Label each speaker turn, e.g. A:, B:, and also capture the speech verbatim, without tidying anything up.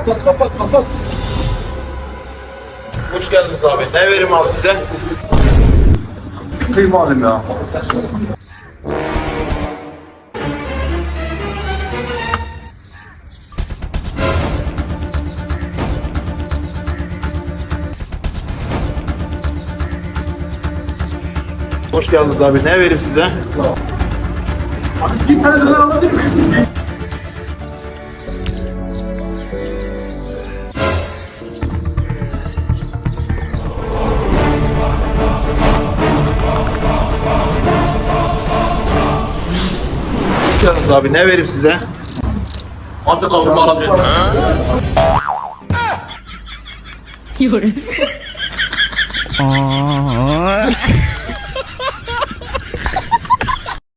A: Kapat kapat kapat.
B: Hoş geldiniz abi. Ne vereyim abi size?
A: Kıyma alayım ya.
B: Hoş geldiniz abi. Ne vereyim size?
A: Bir tane döner alabilir miyim?
B: Hoş geldiniz abi. Ne vereyim size?
A: Abi kavurma alabilir miyim?
C: 有人。